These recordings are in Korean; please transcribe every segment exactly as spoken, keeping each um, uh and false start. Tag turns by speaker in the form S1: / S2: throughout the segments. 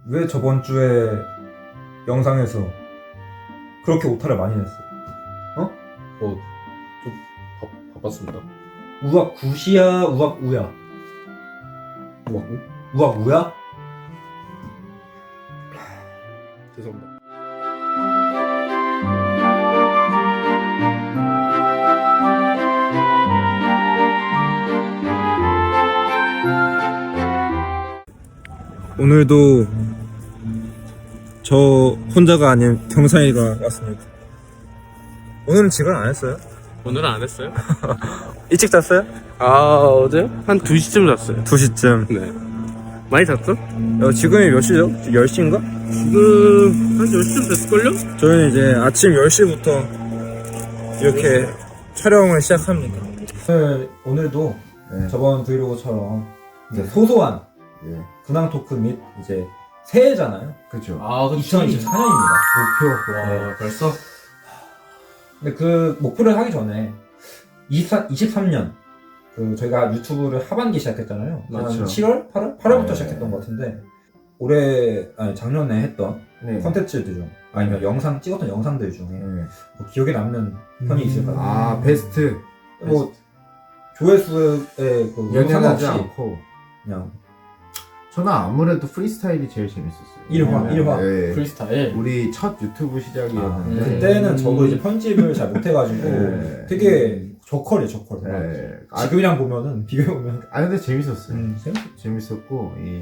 S1: 왜 저번 주에 영상에서 그렇게 오타를 많이 냈어?
S2: 어, 좀 바, 바빴습니다.
S1: 우악 굿이야, 우악 우야?
S2: 우와, 우?
S1: 우악 우야?
S2: 죄송합니다.
S1: 오늘도 저 혼자가 아닌 경상이가 왔습니다. 오늘은 직원 안 했어요?
S2: 오늘은 안 했어요?
S1: 일찍 잤어요?
S2: 아, 어제? 한 두 시쯤 잤어요.
S1: 두 시쯤.
S2: 네. 많이 잤어?
S1: 어, 지금이 몇 시죠? 열 시인가?
S2: 지금 한 열 시쯤 됐을걸요?
S1: 저희는 이제 아침 열 시부터 이렇게 촬영을 시작합니다. 오늘, 오늘도
S3: 네.
S1: 저번 브이로그처럼 이제 소소한
S3: 예.
S1: 근황 토크 및 이제 새해잖아요.
S3: 그쵸.
S2: 아,
S1: 이천이십사 년입니다.
S3: 목표.
S2: 와,
S1: 네.
S2: 벌써?
S1: 근데 그 목표를 하기 전에 이십사, 이십삼 년 그 저희가 유튜브를 하반기 시작했잖아요.
S3: 맞죠.
S1: 한 칠월? 팔월? 팔월부터
S3: 네.
S1: 시작했던 것 같은데 올해 아니 작년에 했던
S3: 네.
S1: 컨텐츠들 중 아니면 영상 찍었던 영상들 중에
S3: 네.
S1: 뭐 기억에 남는 편이 있을까요?
S3: 아, 베스트.
S1: 뭐 조회수에 그
S3: 연연하지
S1: 상관없이
S3: 않고.
S1: 그냥
S3: 저는 아무래도 프리스타일이 제일 재밌었어요.
S1: 일화,
S3: 왜냐면,
S1: 일화.
S3: 예.
S2: 프리스타일?
S3: 우리 첫 유튜브 시작이었는데.
S2: 아, 음.
S1: 그때는 저도 이제 편집을 잘 못해가지고
S3: 네.
S1: 되게 저컬이에요 저컬.
S3: 예. 아,
S1: 지금이랑 보면은 비교해보면
S3: 아, 근데 재밌었어요.
S1: 음, 재밌-
S3: 재밌었고, 이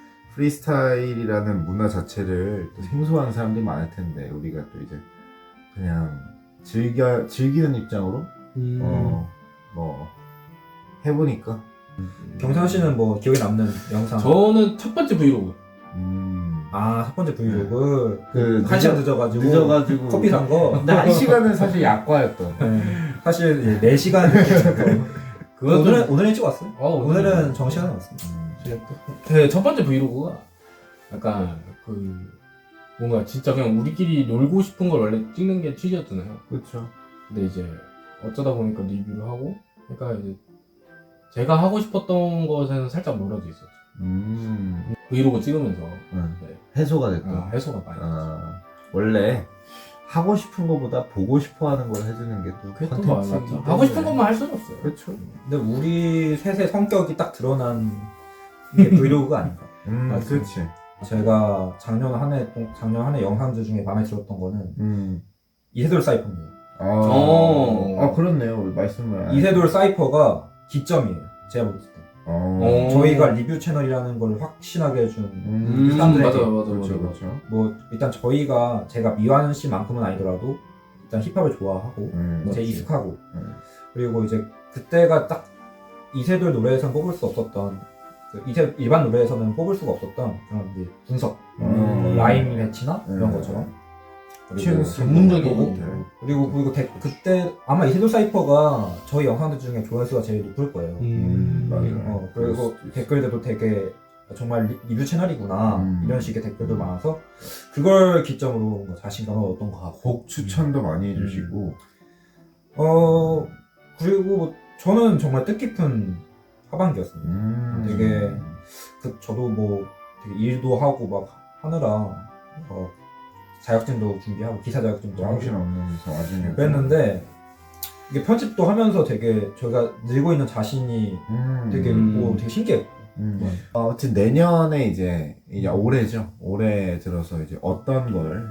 S3: 프리스타일이라는 문화 자체를 또 생소한 사람들이 많을 텐데, 우리가 또 이제 그냥 즐겨, 즐기는 입장으로,
S2: 음.
S3: 어, 뭐, 해보니까.
S1: 경상 씨는 뭐 기억에 남는 영상?
S2: 저는 첫 번째 브이로그.
S3: 음.
S1: 아, 첫 번째 브이로그
S3: 그
S1: 한 시간 늦어가지고
S3: 늦어가지고.
S1: 커피 산 거.
S3: 근데 한 시간은 사실 약과였던.
S1: 네. 사실 이제 네 시간
S2: 그것도-
S1: 오늘은 오늘은 일찍 왔어요?
S2: 어,
S1: 오늘은 정시간에 왔습니다.
S3: 음.
S2: 네, 첫 번째 브이로그가 약간 그 뭔가 진짜 그냥 우리끼리 놀고 싶은 걸 원래 찍는 게 취지였잖아요.
S3: 그렇죠.
S2: 근데 이제 어쩌다 보니까 리뷰를 하고, 그러니까 이제 제가 하고 싶었던 것에는 살짝 멀어져 있었죠.
S3: 음.
S2: 브이로그 찍으면서
S3: 응.
S2: 네.
S3: 해소가 됐다.
S2: 아, 해소가 많이.
S3: 아, 원래 하고 싶은 것보다 보고 싶어 하는 걸 해주는 게 또
S2: 그게 또
S3: 컨텐츠이기
S2: 맞죠.
S3: 때문에.
S2: 하고 싶은 것만 할 수는 없어요.
S3: 그렇죠.
S1: 근데 우리 셋의 성격이 딱 드러난 게 브이로그가 아닌가.
S3: 음,
S2: 맞습니다.
S3: 그렇지.
S1: 제가 작년 한 해 작년 한 해 영상들 중에 마음에 들었던 거는
S3: 음.
S1: 이세돌 사이퍼입니다.
S3: 아,
S2: 어.
S3: 아 그렇네요. 우리 말씀을.
S1: 이세돌 사이퍼가 기점이에요. 제가 볼 때.
S3: 어.
S2: 어.
S1: 저희가 리뷰 채널이라는 걸 확신하게 해준
S3: 음,
S1: 사람들에게
S2: 맞아요, 맞아요,
S3: 그렇죠,
S2: 맞아요.
S3: 그렇죠.
S1: 뭐 일단 저희가 제가 미완 씨만큼은 아니더라도 일단 힙합을 좋아하고
S3: 음,
S1: 제
S3: 맞지.
S1: 익숙하고
S3: 음.
S1: 그리고 이제 그때가 딱 이세돌 노래에서는 뽑을 수 없었던 그 이세 일반 노래에서는 뽑을 수가 없었던 그런 이제 분석
S3: 음.
S1: 라임 매치나 이런
S3: 음.
S1: 것처럼
S3: 튀는
S2: 전문적인
S3: 거고.
S2: 거.
S1: 그리고 그리고 데, 그때 아마 이세돌 사이퍼가 저희 영상들 중에 조회수가 제일 높을 거예요.
S3: 음, 맞아요.
S1: 어,
S3: 그럴
S1: 그리고
S3: 수도 있어.
S1: 댓글들도 되게 정말 리, 리뷰 채널이구나
S3: 음.
S1: 이런 식의 댓글도 많아서 그걸 기점으로 뭔가 자신감을 얻었던 것 같고
S3: 곡 추천도 많이
S1: 음.
S3: 해주시고.
S1: 어 그리고 저는 정말 뜻깊은 하반기였습니다.
S3: 음.
S1: 되게 그 저도 뭐 되게 일도 하고 막 하느라 어, 자격증도 준비하고 기사 자격증도 하고
S3: 정신 없는 와중에.
S1: 그랬는데 이게 편집도 하면서 되게 저희가 늘고 있는 자신이
S3: 음.
S1: 되게
S2: 음.
S1: 뭐 되게 신기했고
S3: 음. 어, 아무튼 내년에 이제 이제 올해죠. 올해 들어서 이제 어떤 걸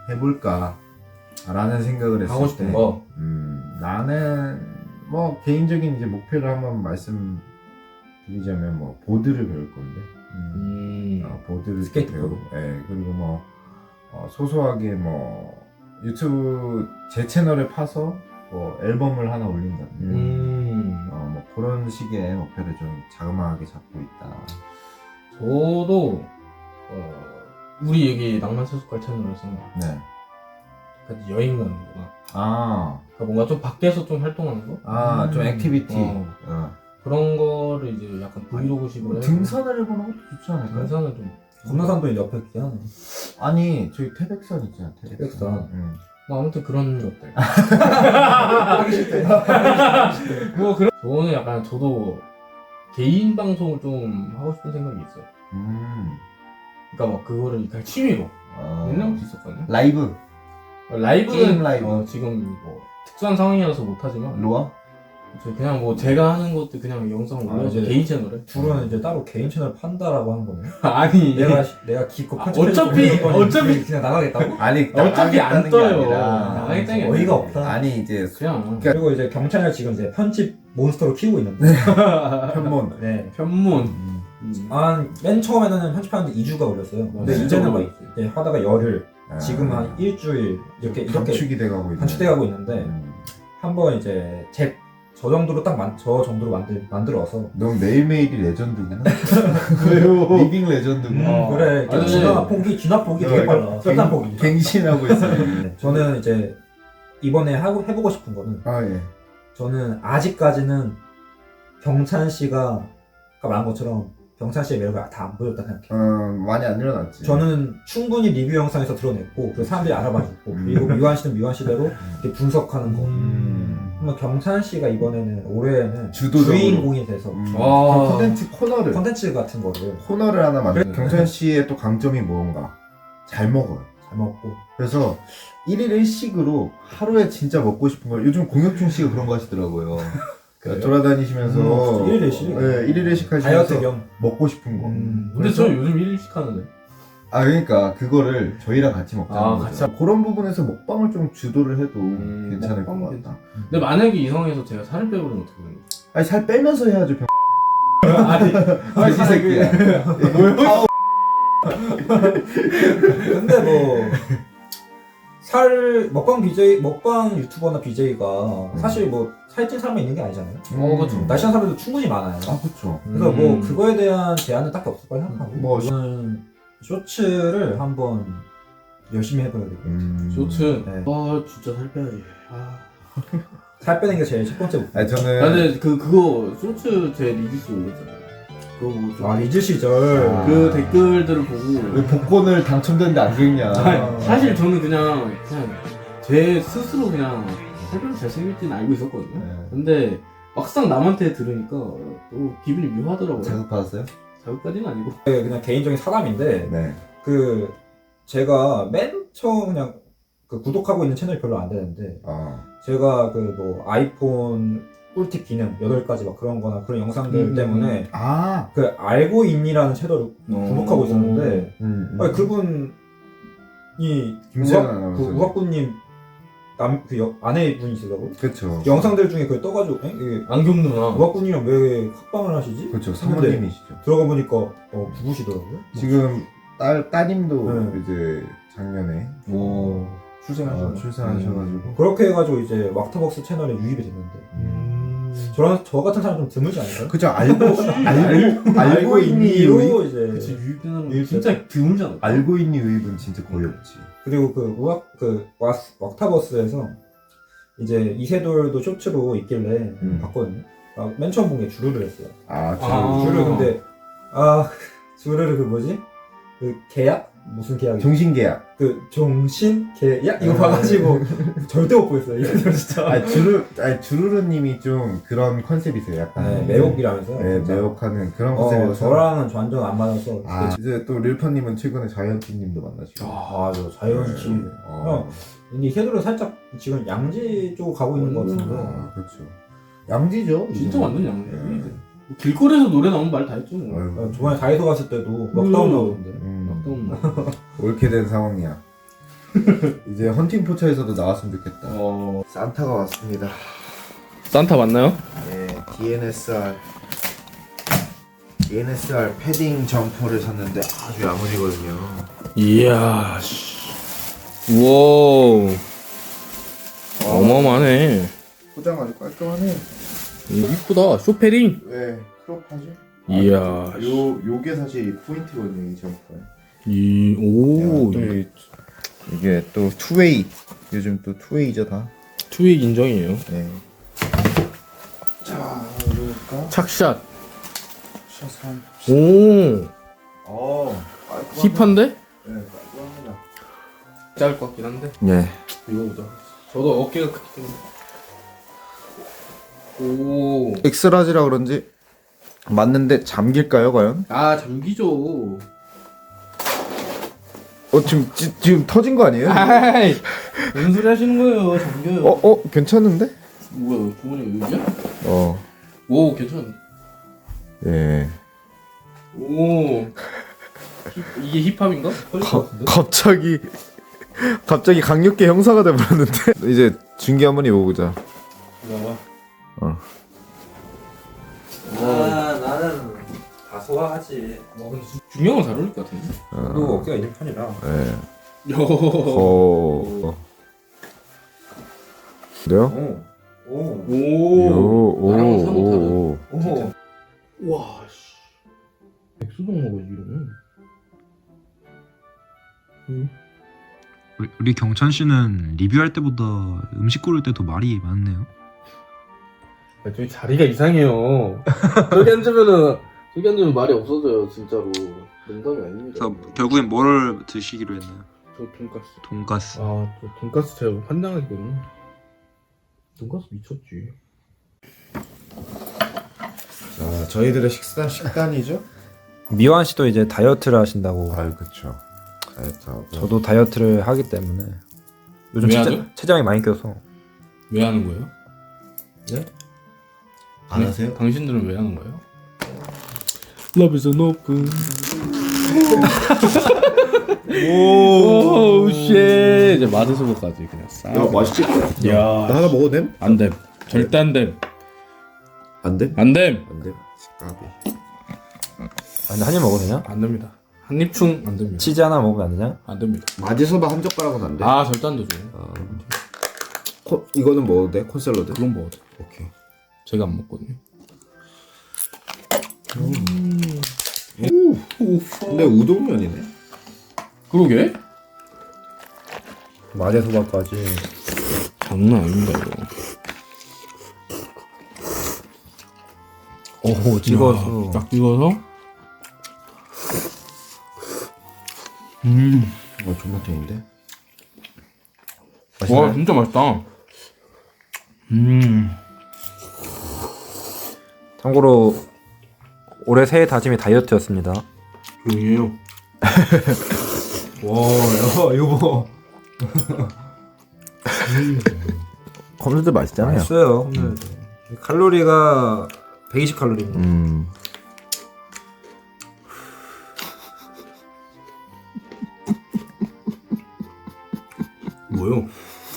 S3: 해볼까라는 생각을 했을
S2: 하고 싶은
S3: 때,
S2: 거.
S3: 음, 나는 뭐 개인적인 이제 목표를 한번 말씀드리자면 뭐 보드를 배울 건데, 음,
S2: 음.
S3: 어, 보드를 좀
S1: 스케이트보드.
S3: 배우고, 예, 그리고 뭐 어, 소소하게 뭐 유튜브 제 채널에 파서 뭐 앨범을 하나 올린다든지.
S2: 음.
S3: 어, 뭐 그런 식의 목표를 좀 자그마하게 잡고 있다.
S2: 저도 어, 우리 여기 낭만세속갈 채널에서
S3: 네.
S2: 같이 여행 가는 거나
S3: 아,
S2: 그러니까 뭔가 좀 밖에서 좀 활동하는 거
S3: 아, 좀
S1: 음.
S3: 액티비티.
S2: 어.
S3: 어.
S2: 그런 거를 이제 약간 브이로그식으로 해서
S3: 등산을 해보는 것도 좋지 않을까요?
S2: 등산을 좀
S1: 건너산도 옆에 있긴 하네.
S3: 아니, 저기 태백산 있잖아, 태백산.
S1: 태백산.
S3: 응.
S2: 뭐 아무튼 그런 것들
S1: 하기 싫대.
S2: 뭐 그런 저는 약간 저도 개인 방송을 좀 하고 싶은 생각이 있어요.
S3: 음.
S2: 그러니까 막 그거를 그냥 취미로
S3: 어.
S2: 옛날부터 있었거든요.
S3: 라이브
S2: 라이브는
S3: 게임 라이브.
S2: 어, 지금 뭐 특수한 상황이라서 못하지만
S3: 로아?
S2: 저 그냥 뭐 제가 하는 것도 그냥 영상
S1: 아,
S2: 올려서
S1: 이제
S2: 개인 채널에
S1: 둘은 이제 따로 개인 채널 판다라고 하는 거네.
S2: 아니
S1: 내가 내가 기껏
S2: 아,
S1: 편집해서
S2: 어차피-
S1: 올리는 거니
S2: 어차피-
S1: 그냥 나가겠다고?
S3: 아니
S2: 어차피 안
S3: 나가겠다는 게
S2: 떠요.
S3: 아니라
S2: 나가겠다는 게
S1: 어이가
S2: 아니라.
S1: 없다.
S3: 아니 이제
S2: 그냥
S1: 그리고 이제 경찰을 지금 이제 편집 몬스터로 키우고 있는데.
S3: 편몬.
S1: 네.
S2: 편문
S3: 음.
S2: 음.
S1: 한맨 처음에는 편집하는데 이 주가 걸렸어요. 근데
S2: 진짜
S1: 이제는 막
S2: 걸렸지.
S1: 이제 하다가 열흘,
S3: 아.
S1: 지금 한 일주일 이렇게 이렇게
S3: 단축이 돼가고 있네.
S1: 단축돼가고 있는데
S3: 음.
S1: 한번 이제 제 저 정도로 딱 저 정도로 만들 만들어서
S3: 넌 매일매일이 레전드구나.
S2: 왜요?
S3: 리빙 레전드구나.
S2: 어.
S1: 그래
S2: 아니,
S1: 진화 폭이 진화 폭이 되게 빨라. 설탕 폭이.
S3: 갱신하고 있어.
S1: 네, 저는 이제 이번에 하고 해보고 싶은 거는
S3: 아 예.
S1: 저는 아직까지는 병찬 씨가 아까 말한 것처럼 병찬 씨의 매력을 다 안 보였다 생각해요.
S3: 어 많이 안 일어났지.
S1: 저는 충분히 리뷰 영상에서 드러냈고 그 사람들이 알아봐줬고
S3: 음.
S1: 그리고 미완 씨는 미완 씨대로 이렇게 분석하는 거.
S3: 음.
S1: 한번 경찬 씨가 이번에는 올해는
S3: 주도적으로.
S1: 주인공이 돼서
S3: 음.
S2: 아.
S3: 콘텐츠 코너를
S1: 컨텐츠 같은 거를
S3: 코너를 하나 만들.
S1: 네.
S3: 경찬 씨의 또 강점이 뭔가 잘 먹어요.
S1: 잘 먹고
S3: 그래서 일일 일식으로 하루에 진짜 먹고 싶은 걸 요즘 공혁준 씨가 그런 거 하시더라고요.
S1: 그래요?
S3: 돌아다니시면서
S1: 음, 일일 일식?
S3: 네, 일일 일식
S1: 다이어트
S3: 하시면서
S1: 겸
S3: 먹고 싶은 거.
S1: 음,
S2: 근데 저 요즘 일일식 하는데
S3: 아 그러니까 그거를 저희랑 같이 먹자는
S2: 아,
S3: 거죠.
S2: 같이
S3: 그런 부분에서 먹방을 좀 주도를 해도
S2: 음,
S3: 괜찮을 것
S2: 먹방은
S3: 같다.
S2: 근데 만약에 이성에서 제가 살을 빼버리면 어떻게 되는 거야?
S3: 아니 살 빼면서 해야죠. 병...
S2: 아니
S3: 아, 이 새끼야.
S2: 뭐야?
S1: 근데 뭐 살 먹방 비제이 먹방 유튜버나 비제이가 사실 뭐 살찐 사람이 있는 게 아니잖아요.
S2: 어, 그쵸.
S1: 날씬한 사람들도 충분히 많아요.
S3: 아 그렇죠.
S1: 그래서
S2: 음.
S1: 뭐 그거에 대한 제한은 딱히 없을 거라 생각하고
S3: 뭐,
S1: 저는 쇼츠를 한번 열심히 해봐야 되고
S3: 음.
S2: 쇼츠
S1: 네.
S2: 아 진짜 살 빼야지. 아.
S1: 살 빼는 게 제일 첫 번째 목표.
S3: 아니 저는
S2: 근데 그 그거 쇼츠 제 리뷰스 올렸잖아요. 그거 뭐좀
S1: 아 리즈 시절
S3: 아.
S2: 그 댓글들을 보고
S3: 왜 복권을 당첨됐는데 안 긁냐.
S2: 아니, 사실 저는 그냥 그냥 제 스스로 그냥 살빼면 잘생길지는 알고 있었거든요.
S3: 네.
S2: 근데 막상 남한테 들으니까 또 기분이 묘하더라고요.
S3: 자극받았어요?
S2: 자극까지는 아니고.
S1: 그냥 개인적인 사담인데
S3: 네.
S1: 그 제가 맨 처음 그냥 그 구독하고 있는 채널이 별로 안 되는데
S3: 아.
S1: 제가 그 뭐 아이폰 꿀팁 기능 여덟 가지 막 그런 거나 그런 영상들
S2: 음,
S1: 때문에
S3: 아.
S1: 그 알고 있니라는 채널을 구독하고 있었는데
S3: 음, 음.
S1: 아니 그분이
S3: 김세현
S1: 우학, 그
S3: 아나운서.
S1: 우학부님 남그 아내분이시더라고요.
S3: 그렇죠.
S1: 영상들 중에 그 떠가지고 에? 이게
S2: 안경 누나.
S1: 우학부님이랑 왜 합방을 하시지?
S3: 그렇죠.
S1: 했는데
S3: 사모님이시죠.
S1: 들어가 보니까 어 부부시더라고요.
S3: 지금 딸 따님도
S1: 네.
S3: 이제 작년에
S2: 오.
S1: 출생하시고
S3: 어, 출산하셔가지고.
S1: 그렇게 해가지고 이제 왁터벅스 채널에 유입이 됐는데
S2: 음.
S1: 저런 저 같은 사람 좀 드물지 않을까요?
S3: 그죠. 알고 알고 알고 있니 유입.
S1: 있니로 이제
S2: 그치 유입되는
S1: 유입
S2: 진짜 드물잖아.
S3: 알고 있니 유입은 진짜 거의 없지.
S1: 그리고 그 우악 그 왁- 왁타버스에서 이제 이세돌도 쇼츠로 있길래
S3: 음.
S1: 봤거든요. 아, 맨 처음 본 게 주르를 했어요.
S3: 아, 주
S2: 아.
S1: 주르 근데 아 주르를 그 뭐지? 그 계약 무슨 계약이?
S3: 종신계약.
S1: 그 종신 계약 이거
S3: 아.
S1: 봐가지고 절대 못 보겠어요. 이세돌 진짜.
S3: 아 주르 아 주르르님이 좀 그런 컨셉이세요. 약간
S1: 네, 매혹이라면서.
S3: 네,
S1: 진짜.
S3: 매혹하는 그런
S1: 어,
S3: 컨셉이어서.
S1: 저랑은 완전 안 맞아서.
S3: 아 이제 또 릴퍼님은 최근에 자이언티님도 만나시고.
S1: 아, 저 자이언티.
S3: 네. 어.
S1: 근데 이세돌은 살짝 지금 양지 쪽으로 가고 있는 것 같은데.
S3: 아, 그렇죠. 양지죠.
S2: 진짜
S3: 이제는.
S2: 완전 양네.
S3: 네.
S2: 길거리에서 노래 나오면 말 다 했죠. 뭐.
S3: 아유,
S1: 어, 저번에 다이소 갔을 때도 넉다운 나오던데.
S3: 음,
S2: 락다운.
S3: 옳게 된 상황이야. 이제 헌팅 포차에서도 나왔으면 좋겠다.
S2: 어.
S3: 산타가 왔습니다.
S2: 산타 맞나요?
S3: 네, 디엔에스알 디엔에스알 패딩 점퍼를 샀는데 아주 야무지거든요.
S2: 이야. 씨. 우와. 어마어마하네.
S3: 포장 아주 깔끔하네.
S2: 이쁘다. 쇼패링.
S3: 네, 크롭하죠?
S2: 이야.
S3: 요 요게 사실 포인트거든요, 이 점퍼.
S2: 이 오.
S3: 이게 또 투웨이. 요즘 또 투웨이죠 다.
S2: 투익 인정이에요.
S3: 네. 자, 이럴까?
S2: 착샷.
S3: 샷한.
S2: 오.
S3: 어, 깔끔하네.
S2: 힙한데?
S3: 네, 깔끔합니다.
S2: 짧을 것 같긴 한데.
S3: 네.
S2: 이거 보자. 저도 어깨가 크기 때문에. 오.
S3: 엑스라지라 그런지 맞는데 잠길까요, 과연?
S2: 아 잠기죠.
S3: 어 지금 지, 지금 터진 거 아니에요?
S2: 아이 무슨 소리 하시는 거예요? 잠겨요.
S3: 어 어 괜찮은데?
S2: 뭐야 주머니 여기야?
S3: 어
S2: 오 괜찮네.
S3: 예.
S2: 오 힙- 이게 힙합인가?
S3: 가, 갑자기 갑자기 강력계 형사가 돼버렸는데 이제 중계 한번 입어보자.
S2: 봐봐.
S3: 어.
S1: 아 나는 다 소화하지.
S2: 와 근데 중요한 건 잘 어울릴 것 같은데?
S1: 그리고 어깨가 있는 편이라.
S3: 예.
S2: 요.
S3: 어. 어. 그래요?
S1: 오. 오.
S2: 오. 나랑 사뭇
S3: 오오오.
S1: 오.
S2: 와 씨. 백수동 먹어야지 이러면. 응.
S4: 우리, 우리 경찬 씨는 리뷰할 때보다 음식 고를 때 더 말이 많네요.
S2: 아, 저기 자리가 이상해요. 저기 앉으면은 저기 앉으면 말이 없어져요 진짜로. 농담이 아닙니다.
S4: 그래서 결국엔 뭘 드시기로 했나요?
S2: 저 돈까스.
S4: 돈가스.
S2: 아저 돈까스 제가 환장하거든요. 돈까스 미쳤지.
S3: 자 저희들의 식단 식단이죠?
S1: 미완 씨도 이제 다이어트를 하신다고.
S3: 아 그렇죠. 다이어트하고.
S1: 저도 다이어트를 하기 때문에 요즘
S2: 왜
S1: 체자,
S2: 하죠?
S1: 체장이 많이 껴서.
S2: 왜 하는 거예요?
S3: 네? 안 하세요?
S2: 당신들은 왜 하는 거예요? Love is an open. 오, 쉣. 이제 마드소보까지 그냥 싹.
S3: 야 맛있지?
S2: 야,
S3: 나 하나 먹어도 됨?
S2: 안 됨. 절대 안 됨.
S3: 안 됨?
S2: 안 됨.
S3: 안 됨. 까비.
S1: 아, 근데 한 입 먹어도 되냐?
S2: 안 됩니다. 한입충 안 됩니다.
S1: 치즈 하나 먹으면 안 되냐?
S2: 안 됩니다.
S3: 마지소바 한 젓가락은 안 돼?
S2: 아, 절대 안 되죠.
S3: 콘 이거는 먹어도 돼? 콘샐러드?
S2: 그건 먹어도.
S3: 오케이.
S2: 제가 안 먹거든요.
S3: 근데 우동면이네.
S2: 그러게?
S1: 마제소바까지.
S2: 장난 아닙니다, 이거.
S1: 오, 찍어서.
S2: 야, 딱 찍어서. 음.
S3: 어 존맛탱인데?
S2: 와, 진짜 맛있다. 음.
S1: 참고로 올해 새해 다짐이 다이어트였습니다.
S2: 조용히 해요.
S1: 와, 야, 이거 뭐.
S3: 콘샐러드 맛있잖아요.
S1: 맛있어요. 음. 칼로리가 백이십 칼로리입니다.
S3: 음.
S2: 뭐요?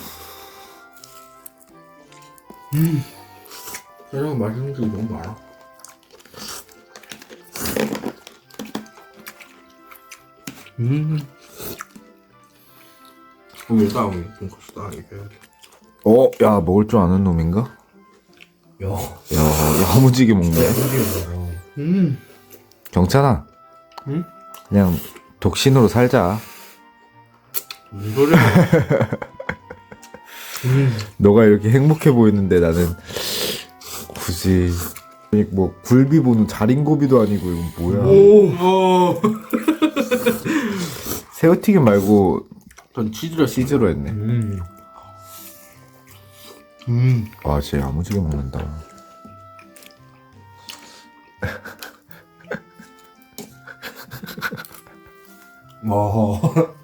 S2: 음. 세상 맛있는 게 너무 많아. 음. 여기 딱 여기 돈까스 딱 이렇게 해야 돼.
S3: 어, 야 먹을 줄 아는 놈인가?
S1: 야,
S3: 야, 야무지게 먹네.
S2: 음.
S3: 경찬아.
S2: 응?
S3: 그냥 독신으로 살자.
S2: 무슨 소리야? 음.
S3: 너가 이렇게 행복해 보이는데 나는 굳이 뭐 굴비 보는 자린고비도 아니고 이건 뭐야?
S2: 오. 어.
S3: 새우튀김 말고
S2: 전 치즈를
S3: 치즈로 했네.
S2: 음. 음.
S3: 와, 진짜 야무지게 먹는다.
S1: 와.